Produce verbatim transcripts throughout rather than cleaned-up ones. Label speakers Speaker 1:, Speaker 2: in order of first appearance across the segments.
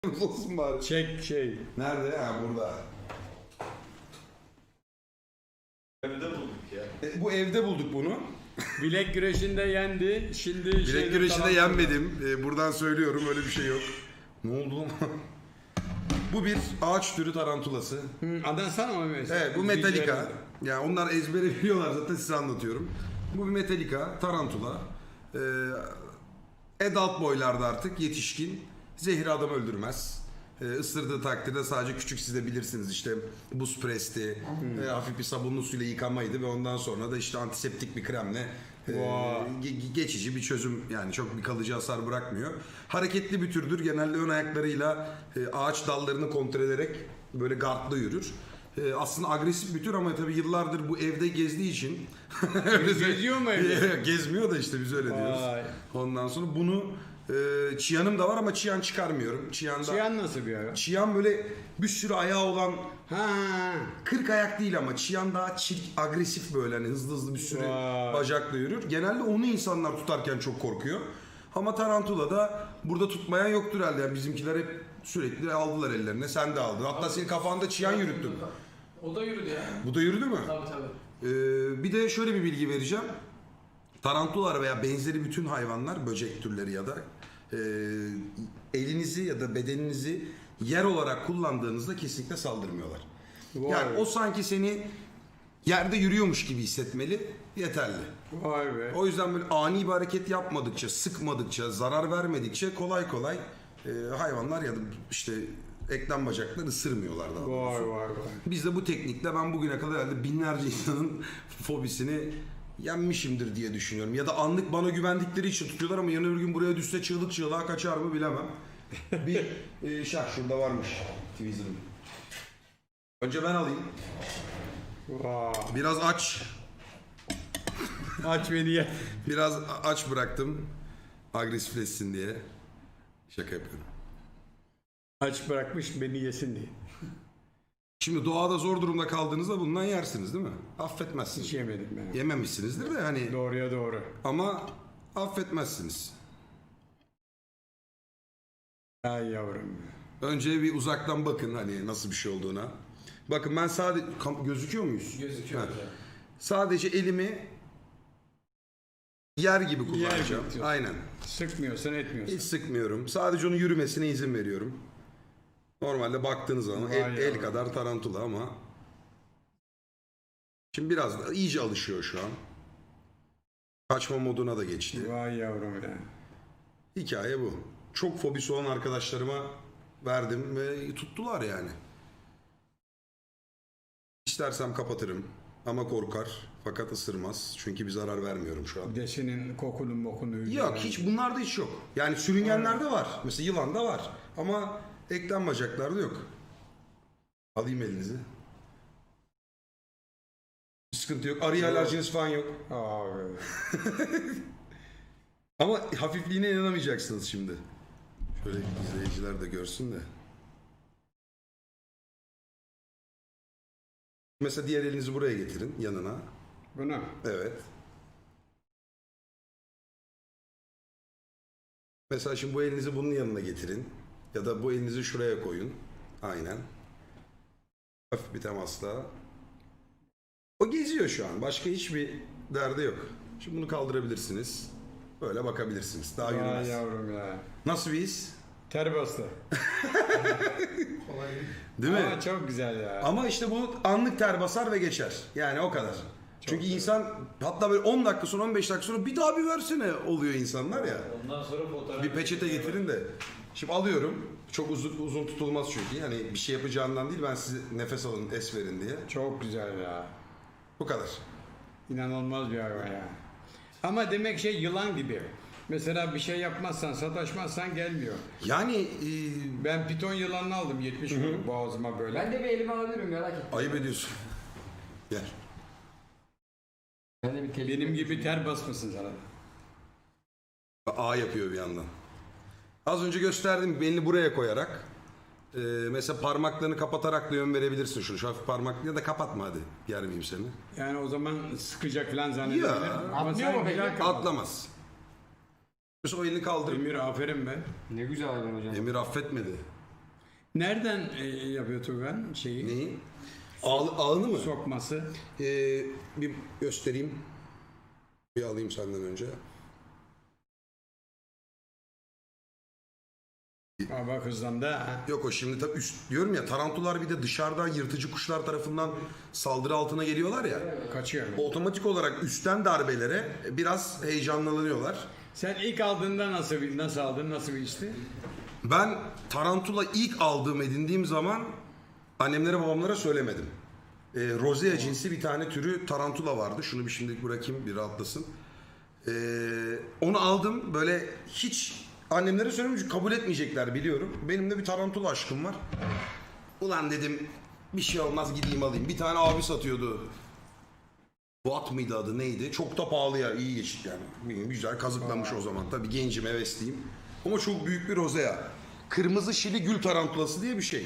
Speaker 1: Olsun bari.
Speaker 2: Çek şey.
Speaker 1: Nerede? Ha burada.
Speaker 3: Evde bulduk ya.
Speaker 1: E, bu evde bulduk bunu.
Speaker 2: Bilek güreşinde yendi. Şimdi
Speaker 1: Bilek
Speaker 2: şeyde
Speaker 1: güreşinde
Speaker 2: falan-
Speaker 1: yenmedim. E, buradan söylüyorum, öyle bir şey yok. Ne oldu lan? Bu bir ağaç türü tarantulası.
Speaker 2: Hı, adansana mı mesela?
Speaker 1: Evet, bu Metallica. Yani onlar ezbere biliyorlar zaten, size anlatıyorum. Bu bir Metallica, tarantula. Ee, adult boylarda artık, yetişkin. Zehri adam öldürmez. Ee, ısırdığı takdirde sadece küçük, siz de bilirsiniz işte buz presti, e, hafif bir sabunlu suyla yıkamaydı ve ondan sonra da işte antiseptik bir kremle e,
Speaker 2: Wow.
Speaker 1: ge- geçici bir çözüm, yani çok bir kalıcı hasar bırakmıyor. Hareketli bir türdür. Genelde ön ayaklarıyla e, ağaç dallarını kontrol ederek böyle gardlı yürür. E, aslında agresif bir tür ama tabii yıllardır bu evde gezdiği için öyle
Speaker 2: Geziyor mu evde?
Speaker 1: Gezmiyor da işte, biz öyle diyoruz.
Speaker 2: Vay.
Speaker 1: Ondan sonra bunu e, çiyanım da var ama çiyan çıkarmıyorum. Çiyanda
Speaker 2: Çiyan nasıl bir hayvan?
Speaker 1: çiyan böyle bir sürü ayağı olan,
Speaker 2: Ha.
Speaker 1: kırk ayak değil ama çiyan daha çirk, agresif, böyle hani hızlı hızlı bir sürü
Speaker 2: Vay.
Speaker 1: bacakla yürür. Genelde onu insanlar tutarken çok korkuyor. Ama tarantula da burada tutmayan yoktur herhalde. Yani bizimkiler hep sürekli aldılar ellerine. Sen de aldın. Hatta senin kafanda çiyan yürüttün.
Speaker 4: O da yürüdü ya.
Speaker 1: Bu da yürüdü mü?
Speaker 4: Tabii tabii.
Speaker 1: Ee, bir de şöyle bir bilgi vereceğim. Tarantular veya benzeri bütün hayvanlar, böcek türleri ya da e, elinizi ya da bedeninizi yer olarak kullandığınızda kesinlikle saldırmıyorlar.
Speaker 2: Vay.
Speaker 1: Yani o sanki seni yerde yürüyormuş gibi hissetmeli, yeterli.
Speaker 2: Vay be.
Speaker 1: O yüzden böyle ani bir hareket yapmadıkça, sıkmadıkça, zarar vermedikçe kolay kolay e, hayvanlar ya da işte eklem bacakları ısırmıyorlar daha doğrusu.
Speaker 2: Vay vay vay.
Speaker 1: Biz de bu teknikle ben bugüne kadar herhalde binlerce insanın fobisini yenmişimdir diye düşünüyorum. Ya da anlık bana güvendikleri için tutuyorlar ama yarın öbür gün buraya düşse çığlık çığlığa kaçar mı bilemem. Bir e, şah şurada varmış Tweezer'ım. Önce ben alayım.
Speaker 2: Vay.
Speaker 1: Biraz aç.
Speaker 2: Aç beni ye.
Speaker 1: Biraz aç bıraktım. Agresifleşsin diye. Şaka yapıyorum.
Speaker 2: Aç bırakmış beni yesin diye.
Speaker 1: Şimdi doğada zor durumda kaldığınızda bundan yersiniz değil mi?
Speaker 2: Hiç
Speaker 1: Affetmezsiniz.
Speaker 2: yemedim ben.
Speaker 1: Yememişsinizdir de hani,
Speaker 2: Doğruya doğru.
Speaker 1: ama affetmezsiniz.
Speaker 2: Ay yavrum.
Speaker 1: Önce bir uzaktan bakın hani nasıl bir şey olduğuna. Bakın ben sadece Kam- gözüküyor muyuz?
Speaker 4: Gözüküyor.
Speaker 1: Ha.
Speaker 4: güzel.
Speaker 1: Sadece elimi yer gibi kullanacağım.
Speaker 2: gibi.
Speaker 1: Aynen.
Speaker 2: Sıkmıyorsan etmiyorsan.
Speaker 1: Hiç sıkmıyorum. Sadece onun yürümesine izin veriyorum. Normalde baktığınız zaman
Speaker 2: Vay
Speaker 1: el, el
Speaker 2: yavrum.
Speaker 1: kadar tarantula ama şimdi biraz da iyice alışıyor şu an. Kaçma moduna da geçti.
Speaker 2: Vay yavrum ya.
Speaker 1: Hikaye bu. Çok fobisi olan arkadaşlarıma verdim ve tuttular yani. İstersem kapatırım ama korkar, fakat ısırmaz. Çünkü bir zarar vermiyorum şu an.
Speaker 2: Bir de senin kokunu mokunu.
Speaker 1: Yok, hiç bunlarda hiç yok. Yani sürüngenlerde var. Mesela yılanda var. Ama eklem bacaklarda yok. Alayım elinizi. Bir sıkıntı yok. Arıya alerjiniz falan yok.
Speaker 2: Abi.
Speaker 1: Ama hafifliğine inanamayacaksınız şimdi. Şöyle izleyiciler de görsün de. Mesela diğer elinizi buraya getirin, yanına.
Speaker 2: Buna.
Speaker 1: Evet. Mesela şimdi bu elinizi bunun yanına getirin. Ya da bu elinizi şuraya koyun. Aynen. Hafif bir temasla. O geziyor şu an. Başka hiçbir derdi yok. Şimdi bunu kaldırabilirsiniz. Böyle bakabilirsiniz. Daha
Speaker 2: Vay
Speaker 1: yürümez.
Speaker 2: yavrum ya.
Speaker 1: Nasıl bir his?
Speaker 2: Ter bastı.
Speaker 4: Kolay değil.
Speaker 1: Değil mi?
Speaker 2: Ama çok güzel ya.
Speaker 1: Ama işte bu anlık ter basar ve geçer. Yani o kadar. Çünkü insan hatta böyle on dakika sonra, on beş dakika sonra bir daha bir versene oluyor insanlar ya.
Speaker 3: Ondan sonra fotoğraf...
Speaker 1: Bir peçete getirin de. Şimdi alıyorum. Çok uzun uzun tutulmaz çünkü. Yani bir şey yapacağından değil, ben size nefes alın, es verin diye.
Speaker 2: Çok güzel ya.
Speaker 1: Bu kadar.
Speaker 2: İnanılmaz bir hayvan ya. Ama demek şey yılan gibi. Mesela bir şey yapmazsan, sataşmazsan gelmiyor.
Speaker 1: Yani e,
Speaker 2: Ben piton yılanını aldım yetmiş vurdum boğazıma böyle.
Speaker 4: Ben de bir elime alabilirim merak etme.
Speaker 1: ayıp ediyorsun. Gel.
Speaker 4: Ben de bir tecrübe.
Speaker 2: Benim gibi ter basmasın sana.
Speaker 1: A yapıyor bir yandan. Az önce gösterdim, belini buraya koyarak. E, mesela parmaklarını kapatarak da yön verebilirsin şunu. Şu hafif parmak, ya da kapatma hadi. Yermeyeyim seni.
Speaker 2: Yani o zaman sıkacak falan zannedebilir.
Speaker 1: Ya,
Speaker 2: Ama
Speaker 4: atlıyor
Speaker 2: sen
Speaker 4: mu
Speaker 2: güzel
Speaker 4: peki?
Speaker 2: kapat.
Speaker 1: Atlamaz. Mesela o elini kaldırıp
Speaker 2: Emir aferin be.
Speaker 4: Ne güzel hayvan hocam.
Speaker 1: Emir affetmedi.
Speaker 2: Nereden e, yapıyor Tugan şeyi?
Speaker 1: Neyi? Ağ, ağını mı?
Speaker 2: Sokması.
Speaker 1: Ee, bir göstereyim. Bir alayım senden önce.
Speaker 2: Aa, bak hızlandı ha.
Speaker 1: Yok o şimdi tabii üst diyorum ya, tarantular bir de dışarıdan yırtıcı kuşlar tarafından saldırı altına geliyorlar ya.
Speaker 2: Kaçıyor.
Speaker 1: Otomatik olarak üstten darbelere biraz heyecanlanıyorlar.
Speaker 2: Sen ilk aldığında nasıl bir nasıl aldın? Nasıl bir işti?
Speaker 1: Ben tarantula ilk aldığım edindiğim zaman annemlere babamlara söylemedim. Ee, Rosea cinsi bir tane türü tarantula vardı. Şunu bir şimdilik bırakayım bir rahatlasın. Ee, onu aldım böyle hiç annemlere söylemedim çünkü kabul etmeyecekler biliyorum. Benim de bir tarantula aşkım var. Ulan dedim bir şey olmaz gideyim alayım. Bir tane abi satıyordu. Watt mıydı adı neydi? Çok da pahalı ya, iyi geçit yani. Bilmiyorum, güzel kazıklanmış o zaman. Tabii gencim, hevesliyim. Ama çok büyük bir rozea. Kırmızı şili gül tarantulası diye bir şey.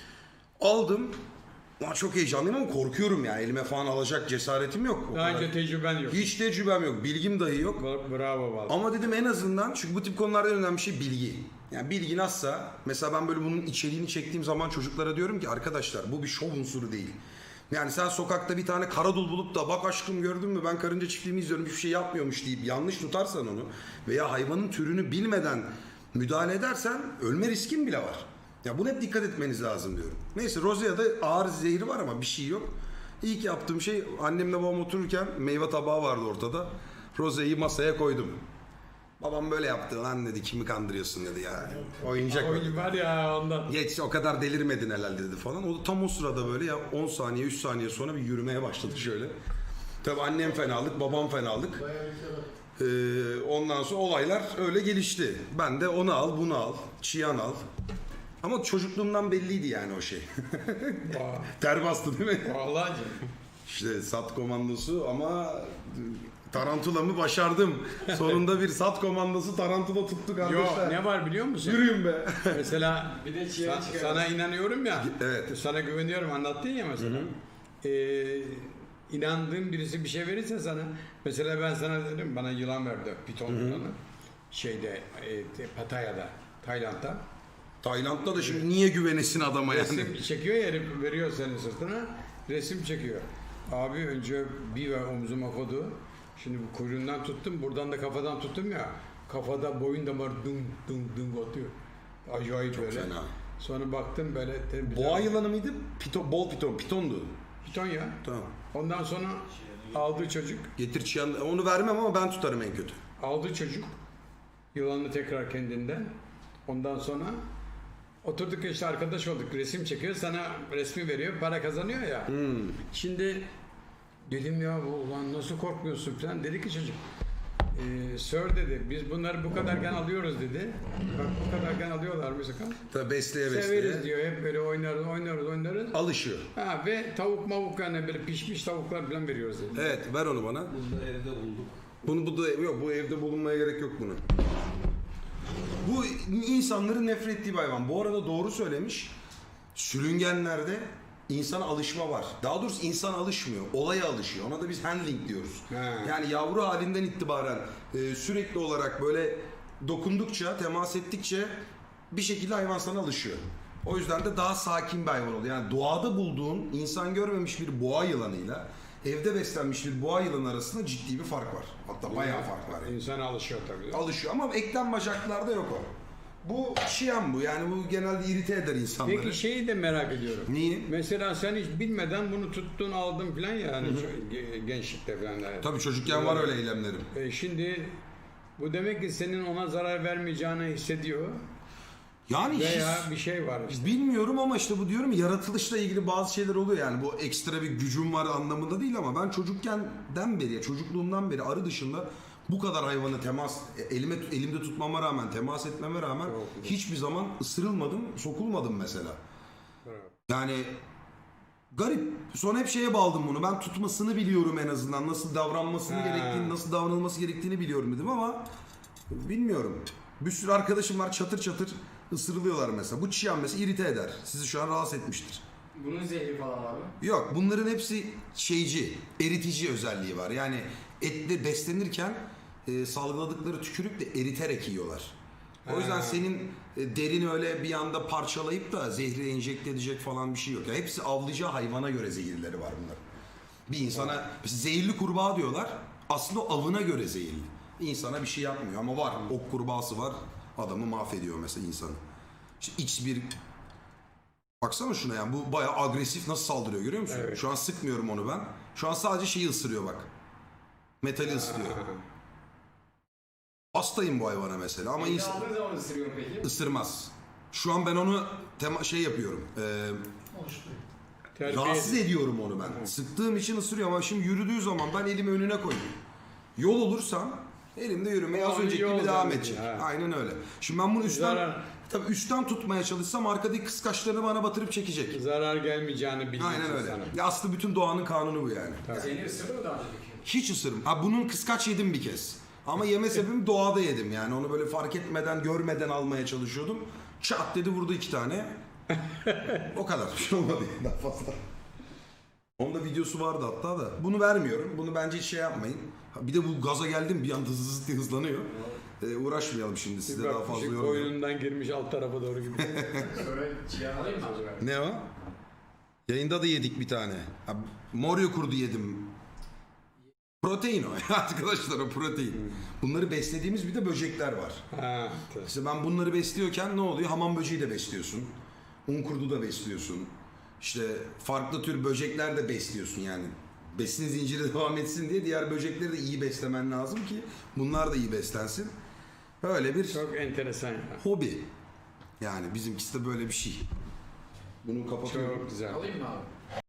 Speaker 1: Aldım. Ulan çok heyecanlıyım ama korkuyorum ya. Elime falan alacak cesaretim yok. O
Speaker 2: Daha
Speaker 1: kadar.
Speaker 2: önce tecrüben yok.
Speaker 1: Hiç tecrübem yok. Bilgim dahi yok.
Speaker 2: Bra- Bravo vallahi.
Speaker 1: Ama dedim en azından, çünkü bu tip konularda en önemli şey bilgi. Yani bilgi nasılsa, mesela ben böyle bunun içeriğini çektiğim zaman çocuklara diyorum ki arkadaşlar bu bir şov unsuru değil. Yani sen sokakta bir tane karadul bulup da bak aşkım gördün mü ben karınca çiftliğimi izliyorum hiçbir şey yapmıyormuş deyip yanlış tutarsan onu veya hayvanın türünü bilmeden müdahale edersen ölme riskin bile var. Ya buna hep dikkat etmeniz lazım diyorum. Neyse Rosea'da ağır zehri var ama bir şey yok. İlk yaptığım şey annemle babam otururken meyve tabağı vardı ortada. Rosea'yı masaya koydum. Babam böyle yaptı lan dedi kimi kandırıyorsun dedi ya. Oyuncak.
Speaker 2: Oyun var ya ondan.
Speaker 1: Geç o kadar delirmedin herhalde dedi falan. O da tam o sırada böyle ya on saniye üç saniye sonra bir yürümeye başladı şöyle. Tabii annem fenalık, babam fenalık. Ee, ondan sonra olaylar öyle gelişti. Ben de onu al, bunu al, çiyan al. Ama çocukluğumdan belliydi yani o şey. Ter bastı değil mi?
Speaker 2: Vallahi.
Speaker 1: İşte sat komandosu ama tarantulamı başardım. Sonunda bir sat komandosu tarantula tuttuk
Speaker 2: Yo
Speaker 1: arkadaşlar.
Speaker 2: ne var biliyor musun?
Speaker 1: Yürüyün be.
Speaker 2: Mesela
Speaker 4: Bir de çiğne
Speaker 2: sa-
Speaker 4: çıkarız.
Speaker 2: sana inanıyorum ya.
Speaker 1: Evet.
Speaker 2: Sana güveniyorum anlattın ya mesela. Ee, inandığın birisi bir şey verirse sana. Mesela ben sana dedim bana yılan verdi. Piton yılanı. Şeyde e, Pattaya'da, Tayland'da.
Speaker 1: Tayland'da da şimdi niye güvenesin adama yani?
Speaker 2: Resim çekiyor ya herif veriyor senin sırtına. Resim çekiyor. Abi önce bir ve omzuma koydu. Şimdi bu kuyruğundan tuttum. Buradan da kafadan tuttum ya. Kafada boyun damarı dum dum dum atıyor. Acayip
Speaker 1: Çok
Speaker 2: böyle.
Speaker 1: fena.
Speaker 2: Sonra baktım böyle. te-
Speaker 1: Boğa yılanı mıydı? Piton, bol piton, pitondu.
Speaker 2: Piton ya.
Speaker 1: Tamam.
Speaker 2: Ondan sonra aldığı çocuk.
Speaker 1: Getir çiyan, onu vermem ama ben tutarım en kötü.
Speaker 2: Aldığı çocuk. Yılanı tekrar kendinden. Ondan sonra oturduk işte arkadaş olduk. Resim çekiyor. Sana resmi veriyor. Para kazanıyor ya. Şimdi dedim ya bu ulan nasıl korkmuyorsun falan. Dedi ki çocuk. E, Sir dedi biz bunları bu kadarken alıyoruz dedi. Bak bu kadarken alıyorlar mı sakın?
Speaker 1: Tabii besleye
Speaker 2: Severiz
Speaker 1: besleye.
Speaker 2: diyor. Hep böyle oynarız oynarız oynarız.
Speaker 1: Alışıyor.
Speaker 2: Ha, ve tavuk mavuk yani böyle pişmiş tavuklar falan veriyoruz dedi.
Speaker 1: Evet ver onu bana.
Speaker 3: Bunu da evde bulduk.
Speaker 1: Bunu bu da yok, bu evde bulunmaya gerek yok bunu. Bu insanların nefret ettiği bir hayvan. Bu arada doğru söylemiş. Sürüngenlerde insana alışma var. Daha doğrusu insan alışmıyor. Olaya alışıyor. Ona da biz handling diyoruz.
Speaker 2: He.
Speaker 1: Yani yavru halinden itibaren e, sürekli olarak böyle dokundukça, temas ettikçe bir şekilde hayvan sana alışıyor. O yüzden de daha sakin bir hayvan oluyor. Yani doğada bulduğun insan görmemiş bir boğa yılanıyla evde beslenmiş bir boğa yılanı arasında ciddi bir fark var. Hatta bayağı fark var. Yani.
Speaker 2: İnsan alışıyor tabii.
Speaker 1: Alışıyor ama eklem bacaklarda yok o. Bu şiyan bu. Yani bu genelde irite eder insanları.
Speaker 2: Peki şeyi de merak ediyorum.
Speaker 1: Niye?
Speaker 2: Mesela sen hiç bilmeden bunu tuttun aldın falan ya hani şu ge- gençlikte falan. Yani.
Speaker 1: Tabii çocukken var öyle eylemlerim.
Speaker 2: E şimdi bu demek ki senin ona zarar vermeyeceğini hissediyor
Speaker 1: Yani
Speaker 2: veya
Speaker 1: his-
Speaker 2: bir şey var işte.
Speaker 1: bilmiyorum ama işte bu diyorum ya, yaratılışla ilgili bazı şeyler oluyor yani. Bu ekstra bir gücüm var anlamında değil ama ben çocukkenden beri, çocukluğumdan beri arı dışında bu kadar hayvanı temas elime elimde tutmama rağmen, temas etmeme rağmen hiçbir zaman ısırılmadım, sokulmadım mesela. Yani garip. Sonra hep şeye bağladım bunu. Ben tutmasını biliyorum en azından. Nasıl davranmasını
Speaker 2: Ha.
Speaker 1: gerektiğini, nasıl davranılması gerektiğini biliyorum dedim ama bilmiyorum. Bir sürü arkadaşım var çatır çatır ısırılıyorlar mesela. Bu çiyan mesela irite eder. Sizi şu an rahatsız etmiştir.
Speaker 4: Bunun zehri falan var mı?
Speaker 1: Yok, bunların hepsi şeyci, eritici özelliği var. Yani etle beslenirken e, salgıladıkları tükürükle eriterek yiyorlar. O yüzden
Speaker 2: Ha.
Speaker 1: senin e, derini öyle bir anda parçalayıp da zehri enjekte edecek falan bir şey yok. Ya hepsi avlayacağı hayvana göre zehirleri var bunlar. Bir insana zehirli kurbağa diyorlar. Aslında o avına göre zehirli. İnsana bir şey yapmıyor ama var. Ok kurbağası var. Adamı mahvediyor mesela insanı. İşte X bir baksana şuna yani bu bayağı agresif nasıl saldırıyor görüyor musun?
Speaker 2: Evet.
Speaker 1: Şu an sıkmıyorum onu ben. Şu an sadece şeyi ısırıyor bak. Metali ısırıyor. Hastayım bu hayvana mesela ama
Speaker 4: Elini
Speaker 1: insan
Speaker 4: aldığın zaman ısırıyor mu peki?
Speaker 1: ısırmaz. Şu an ben onu tema şey yapıyorum. E,
Speaker 2: Terbiye
Speaker 1: rahatsız ediyorum onu ben. Sıktığım için ısırıyor ama şimdi yürüdüğü zaman ben elimi önüne koyuyorum. Yol olursam elimde yürümeye az
Speaker 2: O
Speaker 1: önceki
Speaker 2: yol
Speaker 1: gibi devam
Speaker 2: zannediyor,
Speaker 1: edecek.
Speaker 2: ha.
Speaker 1: Aynen öyle. Şimdi ben bunu üstten
Speaker 2: Zarar.
Speaker 1: tabii üstten tutmaya çalışsam arkadaki kıskaçlarını bana batırıp çekecek.
Speaker 2: zarar gelmeyeceğini biliyorsun
Speaker 1: Aynen öyle.
Speaker 2: sana.
Speaker 1: Ya aslında bütün doğanın kanunu bu yani.
Speaker 4: Seni ısırdı mı daha önce peki?
Speaker 1: Hiç ısırım. Ha bunun kıskaç yedim bir kez. Ama yeme sebebim doğada yedim yani. Onu böyle fark etmeden, görmeden almaya çalışıyordum. Çat dedi vurdu iki tane. O kadar. Bir şey olmadı daha fazla. Onun da videosu vardı hatta da. Bunu vermiyorum. Bunu bence hiç şey yapmayın. Ha, bir de bu gaza geldim bir anda hızlı hızlı hızlanıyor. Ee, uğraşmayalım şimdi size
Speaker 2: Bir
Speaker 1: daha fazla
Speaker 2: bakmışık
Speaker 1: yormayalım.
Speaker 2: boynundan girmiş alt tarafa doğru gibi.
Speaker 4: Böyle ciğer alayım mı acaba?
Speaker 1: Ne o? Yayında da yedik bir tane. Ha, Moryo kurdu yedim. Protein o arkadaşlar o protein. Bunları beslediğimiz bir de böcekler var.
Speaker 2: ha, tabii.
Speaker 1: İşte ben bunları besliyorken ne oluyor? Hamam böceği de besliyorsun. Un kurdu da besliyorsun. İşte farklı tür böcekler de besliyorsun yani. Besin zinciri devam etsin diye diğer böcekleri de iyi beslemen lazım ki bunlar da iyi beslensin. Böyle bir
Speaker 2: Çok enteresan ya.
Speaker 1: hobi. Yani bizimkisi de böyle bir şey. Bunu kapatıyorum.
Speaker 2: Çok güzel.
Speaker 4: Alayım mı abi?